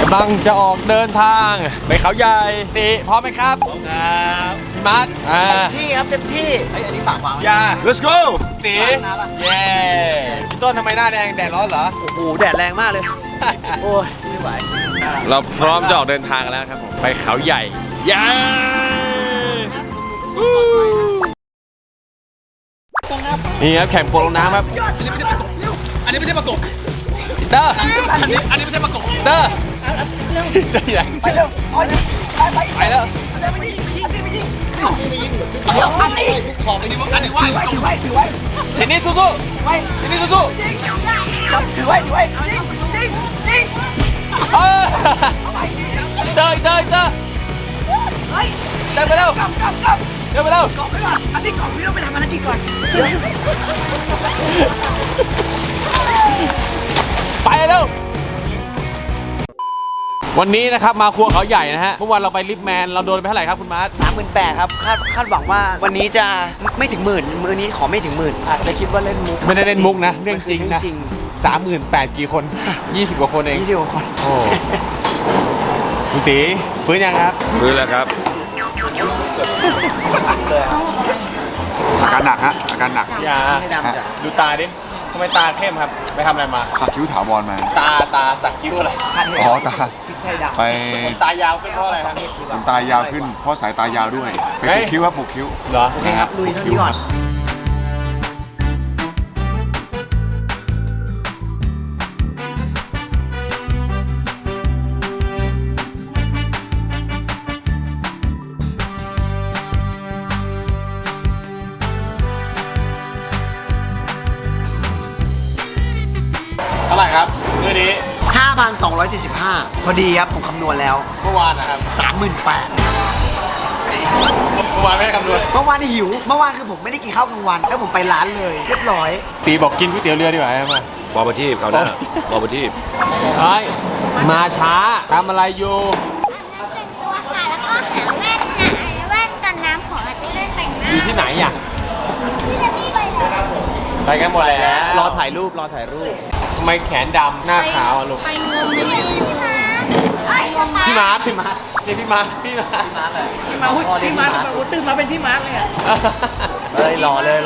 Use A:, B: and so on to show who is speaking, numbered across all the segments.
A: ำลังจะออกเดินทางไปเขาใหญ่ตีพร้อมไหมครับพร้อมครับพี่มัด
B: ที่ครับเต็มที่อันนี้ฝากวาง
A: อย่า
C: let's go
A: ตีเย้พี่ต้นทำไมหน้าแดงแดดร้อนเหรอ
B: โอ้โหแดดแรงมากเลยโอ้ยไม่ไหว
A: เราพร้อมจะออกเดินทางกันแล้วครับผมไปเขาใหญ่เย้นี่ครับแข่งโปโลน้ำครับอันนี้ไม่ใช่ประกบเตอร์อันนี้ไม่ใช่ประกบเตอร์ไปเร็วไปแล้ว
B: อันนี้
A: ของอันนี้ว่า
B: ถือไว้
A: ทีนี้สู้ทีนี้สู้
B: ถือไว้จริง
A: เตอไปเร็วเดินไปเร็ว
B: กรอบไปก่อนอันนี้กรอบพี่ต้องไปทำภารกิจก่อน
A: ไปเร็ววันนี้นะครับมาครัวเขาใหญ่นะฮะเมื่อวานเราไปลิฟแมนเราโดนไปเท่าไหร่ครับคุณมาร์ท
B: 38,000ครับคาดหวังว่าวันนี้จะไม่ถึงหมื่นมื้อนี้ขอไม่ถึงหมื่นอาจจะคิดว่าเล่นมุก
A: ไม่ได้เล่นมุกนะเรื่องจริงนะ38,000กี่คน20กว่าคนเอง
B: 20กว่าคน
A: โอ้คุณตีฟื้นยังครับ
C: ฟื้นแล้วครับอาการหนักฮะอาการหนัก
A: อย่าดูตาดิทำไมตาเข้มครับไปทำอะไรมา
C: สักคิ้วถาวรมา
A: ตาสักคิ้วอะไร
C: อ๋อตาไป
A: ตายาวขึ้นเพราะอะไรครับ
C: ตายาวขึ้นเพราะสายตายาวด้วยไปปลูกคิ้วครับปลูกคิ้ว
A: เหรอ
B: โอเคครับลุยเท่านี้ก่อน
A: เท่าไหร่ครับมื้อนี้
B: 5,275 พอดีครับผมคำนวณแล้ว
A: เมื่อวานนะครับ
B: 38,000
A: เมื่อวานไม่ได้คำนวณ
B: เมื่อวานหิวเมื่อวานคือผมไม่ได้กินข้าวกลางวันแล้วผมไปร้านเลยเรียบร้อย
A: ตีบอกกินก๋วยเตี๋ยวเรือดีกว่าใช่ไหม
C: บอประทีปเขาได้บอประทีป
A: เฮ้ยมาช้าทำอะไรอยู่
D: อันนั้นเป็นตัวค่ะแล้วก็หาแว่นนะแว่นกันน้ำของอาจารย์เล่นแต่งหน้า
A: อยู่ที่ไหนอ่ะ
D: ที่จะมีไปแล้ว
A: ไปกันหมดแล้ว
B: รอถ่ายรูป
A: ทำไมแขนดำหน้าขาวอ่ะลูก
D: ไปงมไม่ได้อยู่
A: พี่มาร์ทนี่พี่มาร์ท
E: เลยพี่มาร์ทตื่นมาเป็นพี่มาร์ทเลยอ่ะ
B: รอเลย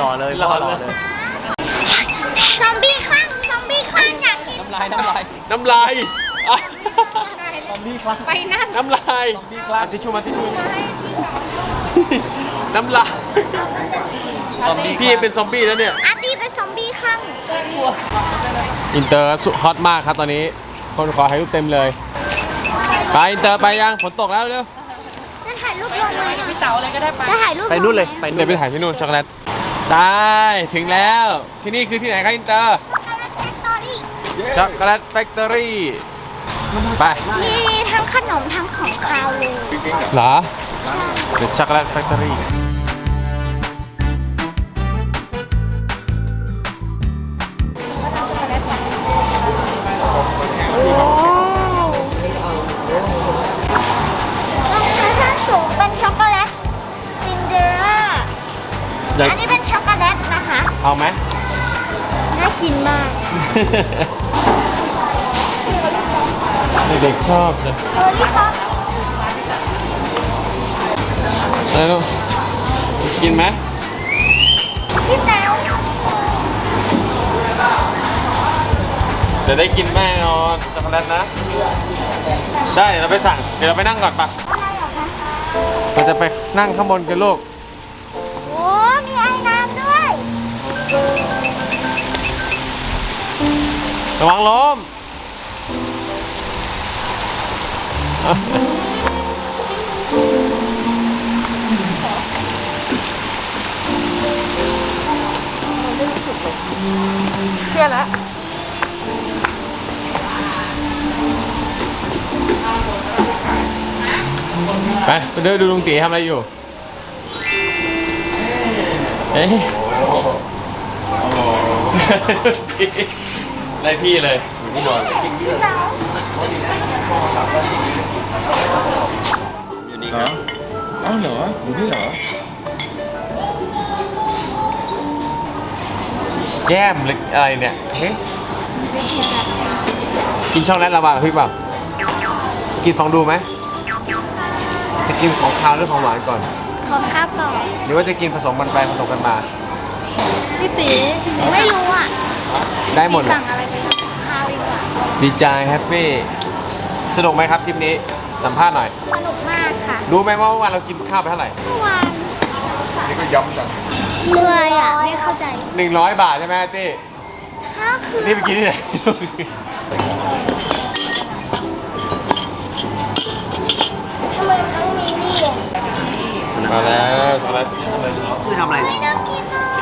D: ซอมบี้คลั่งอยากกิน
A: น้ำลายซอมบี้คลั่ง
D: ไปนั่ง
A: น้ำลายทิชชู่มาน้ำลายพี่เป็นซอมบี้แล้วเนี่ย
D: อาร์ตี้เป็นซอมบี้คลั่ง
A: อินเตอร์ฮอตมากครับตอนนี้คนขอถ่ายรูปเต็มเลยไปอินเตอร์ไปยังฝนตกแล้วเร็ว
D: จะถ่ายรูปลงไหม
E: พี่เต๋าอะไรก็ได้
D: จะถ่ายรูป
B: ไปนู่นเลย
A: เดี๋ยวไปถ่ายที่นู่นช็อกโกแลตได้ถึงแล้วที่นี่คือที่ไหนครับอินเตอร์ช็อกโกแลตแฟคทอรี่ไป
D: มีทั้งขนมทั้งของคาวเลย
A: เหรอเดี๋ยวช็อกโกแลตแฟคทอรี่
D: อันนี้เป็นช็อกโกแลตนะคะ
A: เอาไหม
D: น่ากินมาก
A: เด็กชอบเลย
D: พี่ป๊อป
A: แล้วกินไหม
D: พี่แต๋ว
A: เดี๋ยวได้กินแน่นอนช็อกโกแลตนะได้เดี๋ยวเราไปสั่งเดี๋ยวเราไปนั่งก่อนปะเราจะไปนั่งข้างบนกันลูก
D: มีไอ้น้ำด้วย
A: ระวังล้ม
E: เครียดแล้ว
A: ไปเดินดูลุงตีทำอะไรอยู่เอ๊ะได้ที่เลยอยู่ที่นอนอยู่นี่ครับ
C: อ้าวเหรออยู่นี่เหรอ
A: แก้มหรืออะไรเนี่ยเฮ้ยกินช่องนั้นระบาดพี่เปล่ากินฟองดูไหมจะกินของคาวหรือของหวานก่อน
D: ของข้าวก่อน
A: หรือว่าจะกินผสมกันไปผสมกันมา
E: พี่ตี
D: ไม่รู้อ่ะ
A: ได้หมดเลย
E: สั่งอะไรไป
D: ข้าวดีกว่า
A: ดีใจแฮปปี้สนุกไหมครับทริปนี้สัมภาษณ์หน่อย
D: สนุกมากค่ะ
A: รู้ไหมว่าเมื่อวานเรากินข้าวไปเท่าไหร่
D: เมื่อวาน
C: นี่ก็ย้ำจัง
D: เหนื่อยอ่ะไม่เข้าใจ
A: 100 บาทใช่ไหมเต้
D: ข้าวคือ
A: นี่ไปกินที่ไหน
D: ทำไมต้องมีนี่อ่ะ
A: มาแล้วช็อกโกแลต
B: คือทำอะไร
D: ไม่น่ากินอ่ะ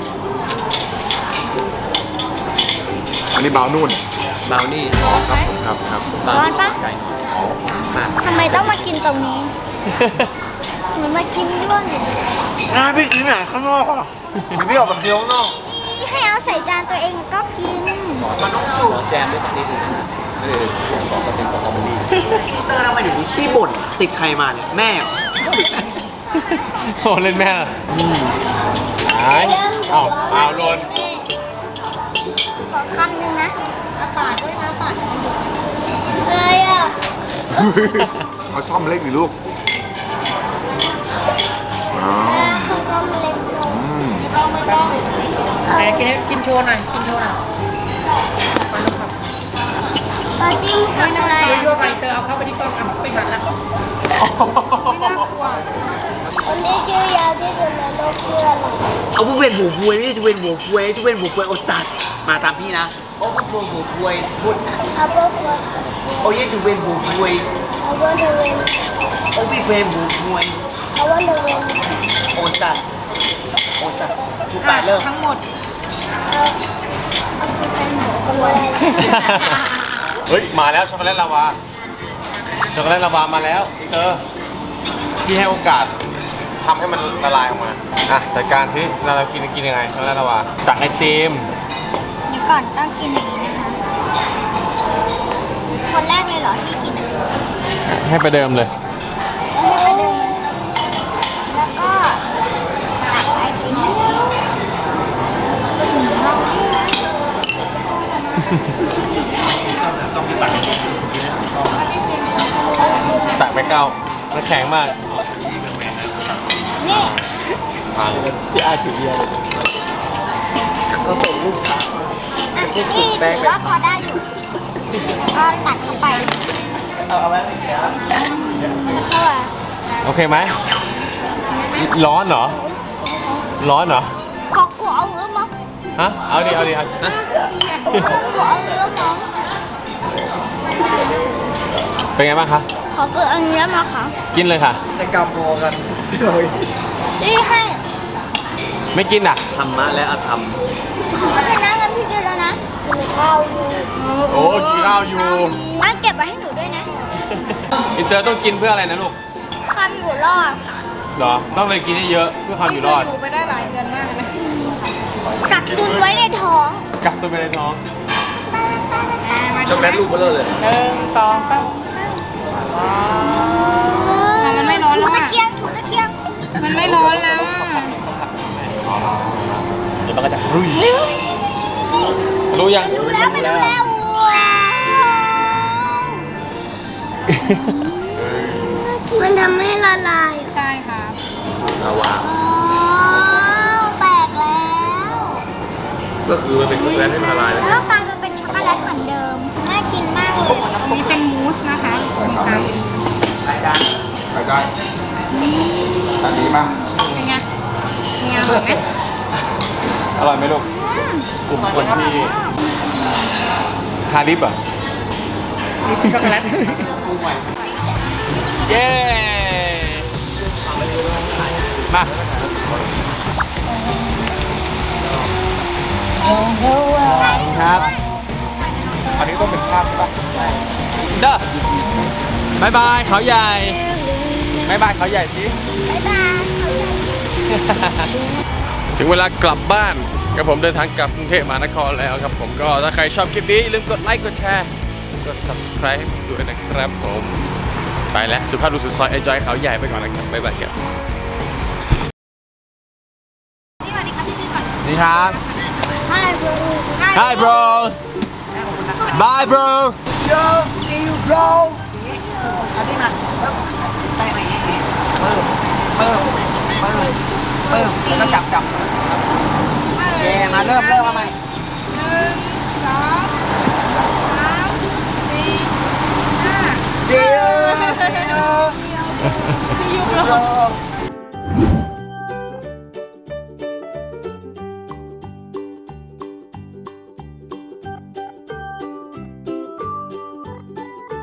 C: อันนี้เบานุ่น
A: บราวนี่
C: ครับครับ
D: ร้อนปะทำไมต้องมากินตรงนี้ เหมือนมากินด้วนเลย
B: น่าพี่กินไหนข้างนอกอ่ะเดี๋ยวพี่ออกไปเคี้ยวข้างนอก
D: นี่ให้เอาใส่จานตัวเองก็กิน
A: แจมด้วยสักนิดนึงนะบอกว่าเป็นสตรอเบอรี่
B: เตอร์ทำไมถึงมีขี้บ่นติดใครมาเนี่ยแม่เหรอ
A: โอ้เล่นแม่หายเอ้าเอาโลน
D: ขอคำหนึ่งนะปาดด้วยนะปาดอะไรอ่ะ
C: เอาซ่อมเล็กดิลูกอ๋อ
D: เขาก็มาเล็กลง
C: อืม
E: ไหนกินโชว์หน่อยกินโชว์หน่อยไปลูกครับ
D: ปาจิ้มกับอะไร
E: เดี๋ยวไปเตอเอาเข้าไปที่กล้องอ่ะปิดบัตรแล้วไม่น่ากลัว
D: คนที่ชื่อยาวที่สุดในโลกชื่ออะไร
B: เอาผู้เวนหัวพวยไม่ใช่จะเวนหัวพวยจะเวนหัวพวยโอซัสมาตามพี่นะโอ้ผู้เวนหัวพวยพูด
D: อาเบอร์ฟอร์
B: โอ้ยจะเวนหัวพวย
D: I want to win
B: โอ้พี่เวนหัวพวย
D: I want to win
B: โอซัสโอซัสทุกปลายเริ่ม
E: ทั้งหมด
D: เอาคุณเป็นหมูคนอะไร
A: เฮ้ยมาแล้วช็อกโกแลตลาวาช็อกโกแลตลาวามาแล้วพี่ให้โอกาสทำให้มันละลายออกมาอ่ะจัดการสิเรากินยังไงช็อกโกแลตลาวาจากไอติม
D: เดี๋ยวก่อนต้องกินอย่างนี้นะคะคนแรกเลยเหรอที่กินอ่ะ
A: ให้ประเดิมเลย
D: แล้วให้ไปเดินแล้วก็ตักไอติม
A: ตักไปเก้าแล้วแข็งมาก
D: นี่
A: พังที่อาถือเยอะเลย
B: เราส่งลูกค้า
D: อ่ะนี่ถือว่าพอได้อยู่ก็ตัดเข้าไป
B: เอาไว้เดี๋ยว
D: เข้าไป
A: โอเคไหมร้อนเหรอร้อนเหรอ
D: ขอกูเอาเนื้อมา
A: ฮะเอาดิฮะ
D: ขอกูเอาเนื้อมา
A: เป็นไงบ้างคะ
D: ขอกูเอาเนื้อมาค่ะ
A: กินเลยค่ะ
B: แต่กำโมกันเลย
D: นี่ให้
A: ไม่กินอ่ะ
B: ธรรมะและอธรรม
D: กินนะงั้นพี่กินแล้วนะกินข้าวอยู่
A: โอ้กินข้าวอยู่
D: งั้นเก็บไว้ให้หนูด้วยนะ
A: อินเตอร์ต้องกินเพื่ออะไรนะลูก
D: ความอยู่รอด
A: เหรอต้องเลยกินให้เยอะเพื่อความอยู่รอด
E: อยู่ไปได้หลายเดือนมากเลยนะ
D: กักตุนไว้ในท้อง
A: กักตัวไปในท้อง
E: ช็อกโกแลตลูกเบลอเลย1 2 3มันไม่ร้อน
D: ถู
E: แล้ว
D: ตะ
E: อ่ะ
D: เกียงถูตะเกียง
E: มันไม่ร้อนแล้วอ่ะ
A: เดี๋ยวมันก็จะรุ่ยรู้ยัง
D: รู้แล้วไม่รู้แล้วว้าวมันทำให้ละลาย
E: ใช่ค่ะ
A: ลาวา
D: อ๋อแตกแล้ว
A: ก็คือมันเป็นช็อกโกแลตให้มันละลายแล้ว
D: แล้วกลายมาเป็นช็อกโกแลตเหมือนเดิม น่ากินมากเลย
E: อันนี้เป็นมูสนะคะ
B: อาจารย์
C: ไปได้อันนี้มา
E: เป็นไงเป็นไงอร่อยไหม
A: อร่อยไหมลูกกลุ่มคนที่ทาลิปอ่ะ
E: ช็อกโกแลต
A: เย้มาครับ
C: อันนี้ต้องเป็นภาพใช่ปะ
A: เด้อบายบายเขาใหญ่บายบายเขาใหญ่สิ
D: บ๊ายบาย
A: ถึงเวลากลับบ้านกับผมเดินทางกลับกรุงเทพมหานครแล้วครับผมก็ถ้าใครชอบคลิปนี้อย่าลืมกดไลค์กดแชร์กด subscribe ให้ผมด้วยนะครับผมไปแล้วสุภาพบุรุษสุดซอย enjoy เขาใหญ่ไปก่อนนะครับบ๊ายบายครับสวัสดีครับ
D: Hi bro
A: Hi bro Bye bro
B: Yo see you bro เอาที่มาปึ๊บแตะอย่างนี้ปึ๊บปึ๊บปึ๊บปึ๊บแล้วก็จับโอเคมาเริ่มมาใหม่ See you